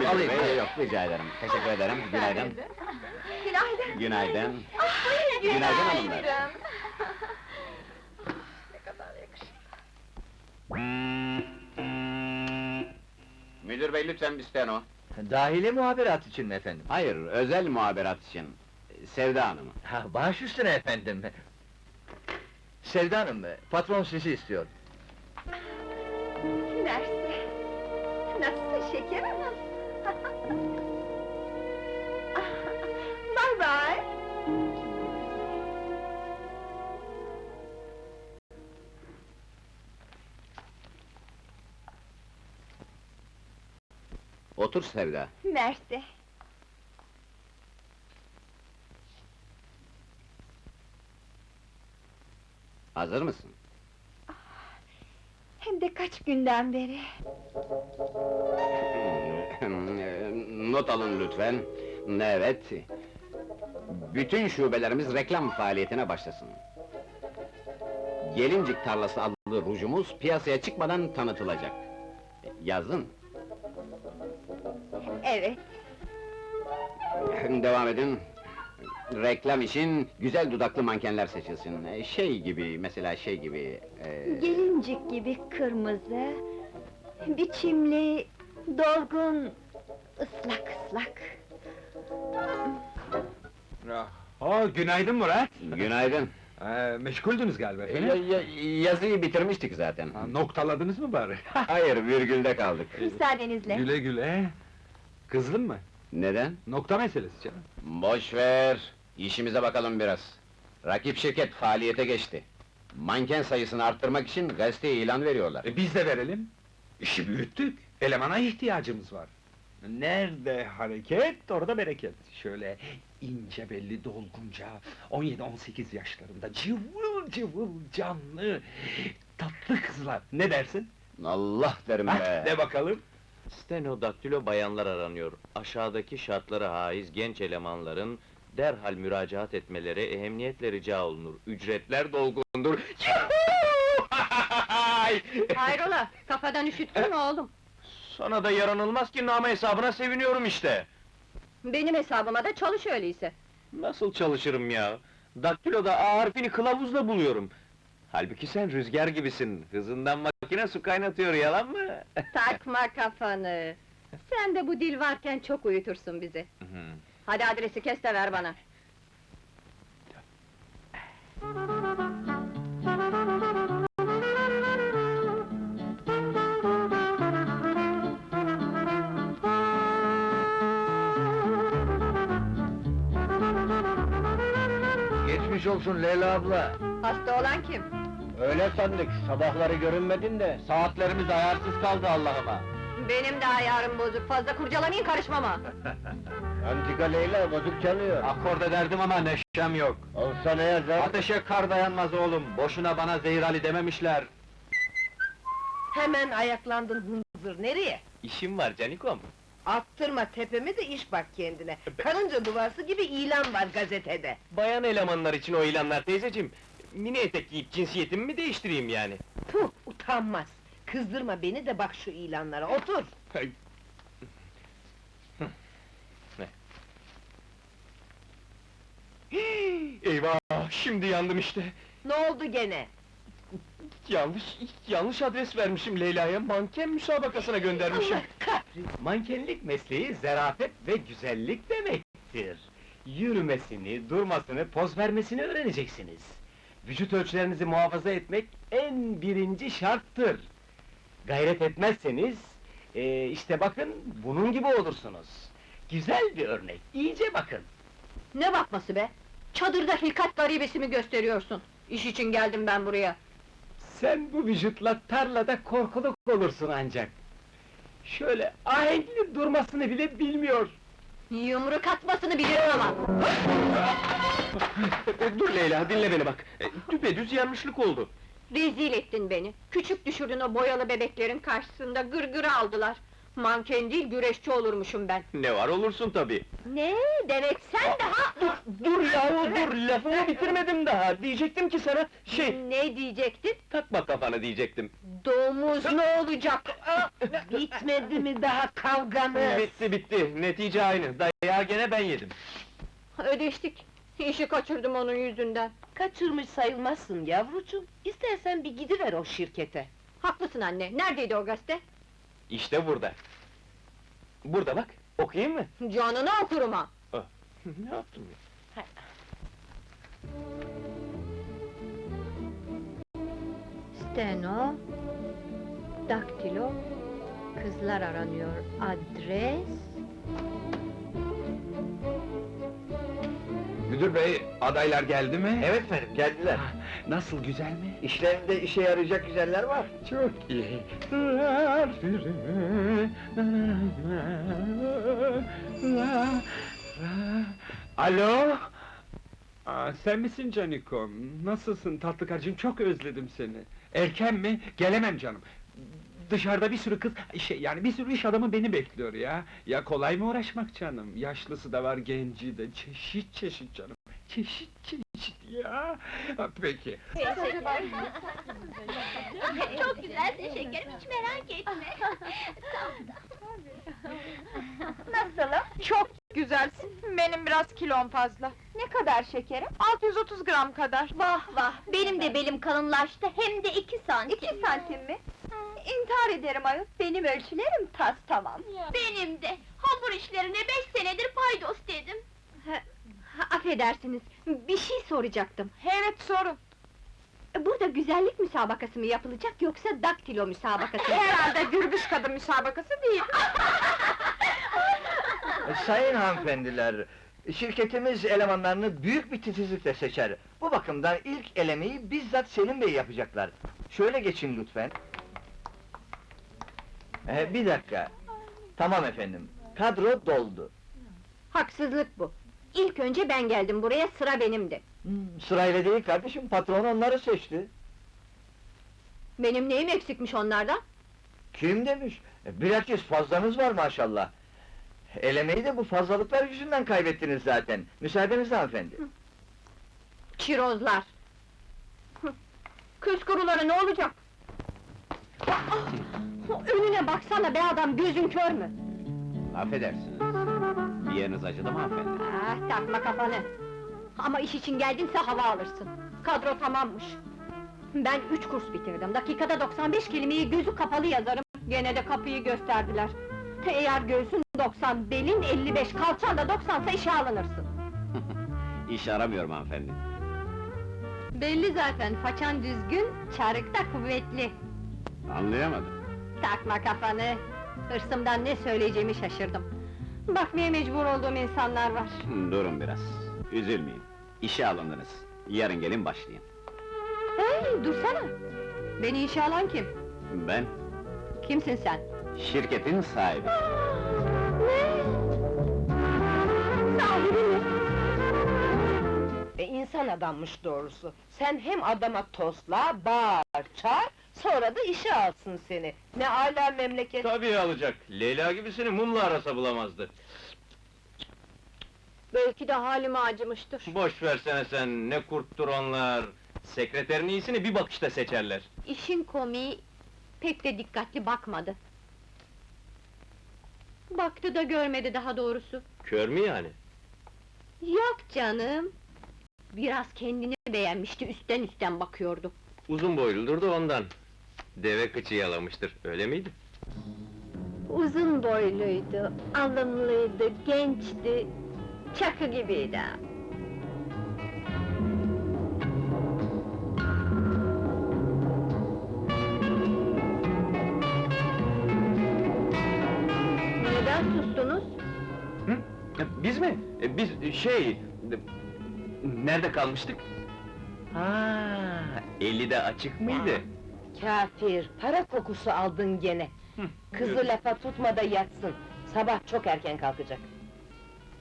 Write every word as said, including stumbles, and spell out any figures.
alayım. Bey, yok, rica ederim. Teşekkür ederim. Günaydın. Günaydın. Günaydın. Ah, Günaydın hanımlar. Ne kadar yakışıklı. Müdür bey, lütfen bir steno. Dahili muhaberat için mi efendim? Hayır, özel muhaberat için. Sevda Hanım'ı. Ha, baş üstüne efendim. Sevda Hanım, patron sizi istiyor. Mersi. Nasılsın şeker hanım? Bye bye. Otur Sevda. Mersi. Hazır mısın? Hem de kaç günden beri. Not alın lütfen. Evet. Bütün şubelerimiz reklam faaliyetine başlasın. Gelincik Tarlası adlı rujumuz piyasaya çıkmadan tanıtılacak. Yazın. Evet. Devam edin. Reklam için güzel dudaklı mankenler seçilsin. Ee, Şey gibi, mesela şey gibi... ee, Gelincik gibi kırmızı, biçimli, dolgun, ıslak ıslak. Oo, günaydın Murat! Günaydın. Ee, meşguldünüz galiba Ya- efendim? ya- yazıyı bitirmiştik zaten. Ha, noktaladınız mı bari? Hayır, virgülde kaldık. Müsaadenizle. Güle güle! Kızdın mı? Neden? Nokta meselesi canım. Boş ver, işimize bakalım biraz. Rakip şirket faaliyete geçti. Manken sayısını arttırmak için gazeteye ilan veriyorlar. E, biz de verelim. İşi büyüttük, elemana ihtiyacımız var. Nerede hareket, orada bereket. Şöyle ince belli, dolgunca, on yedi on sekiz yaşlarında, cıvıl cıvıl canlı, tatlı kızlar. Ne dersin? Allah derim Hah, be! de bakalım. Stenodaktilo bayanlar aranıyor. Aşağıdaki şartlara haiz genç elemanların derhal müracaat etmeleri ehemmiyetle rica olunur. Ücretler dolgundur. Hayrola, kafadan üşüttün mü oğlum? Sana da yaranılmaz ki, nama hesabına seviniyorum işte. Benim hesabıma da çalış öyleyse. Nasıl çalışırım ya? Daktiloda A harfini kılavuzla buluyorum. Halbuki sen rüzgar gibisin. Hızından makine su kaynatıyor, yalan mı? Takma kafanı! Sen de bu dil varken çok uyutursun bizi. Hadi adresi kes de ver bana. Geçmiş olsun Leyla abla. Hasta olan kim? Öyle sandık, sabahları görünmedin de, saatlerimiz ayarsız kaldı Allah'ıma. Benim de ayarım bozuk, fazla kurcalamayın karışmama! Antika Leyla bozuk çalıyor. Akord ederdim ama neşem yok. Olsa ne yazar? Ateşe kar dayanmaz oğlum, boşuna bana Zehir Ali dememişler. Hemen ayaklandın hınzır, nereye? İşim var canikom. Attırma tepemi de iş bak kendine. Karınca duvarsı gibi ilan var gazetede. Bayan elemanlar için o ilanlar teyzeciğim. Mini etek giyip cinsiyetimi mi değiştireyim yani? Puh, utanmaz! Kızdırma beni de bak şu ilanlara, otur! Eyvah! Şimdi yandım işte! Ne oldu gene? Yanlış, yanlış adres vermişim Leyla'ya, manken müsabakasına göndermişim. Allah kahretsin! Mankenlik mesleği zarafet ve güzellik demektir. Yürümesini, durmasını, poz vermesini öğreneceksiniz. Vücut ölçülerinizi muhafaza etmek en birinci şarttır. Gayret etmezseniz, ee, işte bakın bunun gibi olursunuz. Güzel bir örnek, iyice bakın. Ne bakması be? Çadırda hilkat garibesi mi gösteriyorsun? İş için geldim ben buraya. Sen bu vücutla tarlada korkuluk olursun ancak. Şöyle ahenkli durmasını bile bilmiyor. Yumruk atmasını bilirim ama! Dur Leyla, dinle beni bak! E, Düpedüz yanlışlık oldu. Rezil ettin beni! Küçük düşürdün o boyalı bebeklerin karşısında, gırgırı aldılar! Manken değil, güreşçi olurmuşum ben. Ne var olursun tabii. Ne? Demek sen daha... Dur yahu dur, lafımı bitirmedim daha. Diyecektim ki sana, şey, Ne diyecektin? takma kafanı diyecektim. Domuz ne olacak? Bitmedi mi daha kavganız? Bitti bitti, netice aynı. Dayağı gene ben yedim. Ödeştik. İşi kaçırdım onun yüzünden. Kaçırmış sayılmazsın yavrucuğum. İstersen bir gidiver o şirkete. Haklısın anne, neredeydi o gazete? İşte burada. Burada bak, okuyayım mı? Canını okurum ha! Ne yaptım ya? Steno... Daktilo... Kızlar aranıyor. Adres... Müdür bey, adaylar geldi mi? Evet efendim, geldiler. Nasıl, güzel mi? İşlerinde işe yarayacak güzeller var. Çok iyi. Alo? Aa, sen misin Canikom? Nasılsın tatlı karıcığım? Çok özledim seni. Erken mi? Gelemem canım. Dışarıda bir sürü kız, şey yani bir sürü iş adamı beni bekliyor ya. Ya kolay mı uğraşmak canım? Yaşlısı da var, genci de, çeşit çeşit canım. Çeşit çeşit ya. Ha, peki. Çok güzelsin şekerim, hiç merak etme. Nasılım? Çok güzelsin, benim biraz kilom fazla. Ne kadar şekerim? altı yüz otuz gram kadar. Vah vah, benim de belim kalınlaştı, hem de iki santim. İki santim mi? İntihar ederim ayol, benim ölçülerim tas tamam. Benim de, hamur işlerine beş senedir paydos dedim. Ha, affedersiniz, bir şey soracaktım. Evet, sorun. Burada güzellik müsabakası mı yapılacak, yoksa daktilo müsabakası mı? Herhalde gürbüz kadın müsabakası değil. Sayın hanımefendiler, şirketimiz elemanlarını büyük bir titizlikle seçer. Bu bakımdan ilk elemeyi bizzat Selim Bey yapacaklar. Şöyle geçin lütfen. Ee, bir dakika. Tamam efendim, kadro doldu. Haksızlık bu. İlk önce ben geldim buraya, sıra benimdi. Hmm, sırayla değil kardeşim, patron onları seçti. Benim neyim eksikmiş onlardan? Kim demiş? E, Bilakis fazlanız var maşallah. Elemeyi de bu fazlalıklar yüzünden kaybettiniz zaten. Müsaadenizle hanımefendi. Çirozlar! Hı, Kız kuruları ne olacak? Aa, önüne baksana be adam, gözün kör mü? Affedersiniz. Bir yeriniz acıdı mı hanımefendi? Ah, takma kafanı! Ama iş için geldinse hava alırsın. Kadro tamammış. Ben üç kurs bitirdim, dakikada doksan beş kelimeyi gözü kapalı yazarım. Gene de kapıyı gösterdiler. Eğer göğsün doksan, belin elli beş, kalçan da doksansa işe alınırsın. İş aramıyorum hanımefendi. Belli zaten, façan düzgün, çarık da kuvvetli. Anlayamadım. Takma kafanı! Hırsımdan ne söyleyeceğimi şaşırdım. Bakmaya mecbur olduğum insanlar var. Hı, Durun biraz. Üzülmeyin. İşe alındınız. Yarın gelin başlayın. Hey, dursana! Beni işe alan kim? Ben Kimsin sen? şirketin sahibi. Ne? Sahibi mi? E insan adammış doğrusu. Sen hem adama tosla, bağır, çağır, sonra da işe alsın seni. Ne âlâ memleket. Tabii alacak, Leyla gibisini mumla arasa bulamazdı. Belki de halime acımıştır. Boş versene sen, ne kurttur onlar! Sekreterin iyisini bir bakışta seçerler. İşin komiği, pek de dikkatli bakmadı. Baktı da görmedi daha doğrusu. Kör mü yani? Yok canım! Biraz kendini beğenmişti, üstten üstten bakıyordu. Uzun boyludur da ondan. Deve kıçı yalamıştır, öyle miydi? Uzun boyluydu, alımlıydı, gençti, çakı gibiydi. Neden sustunuz? Hı? E, Biz mi? E, Biz, şey... e, Nerede kalmıştık? Ha, eli de açık mıydı? Kafir, para kokusu aldın gene. Kızı lafa tutma da yatsın. Sabah çok erken kalkacak.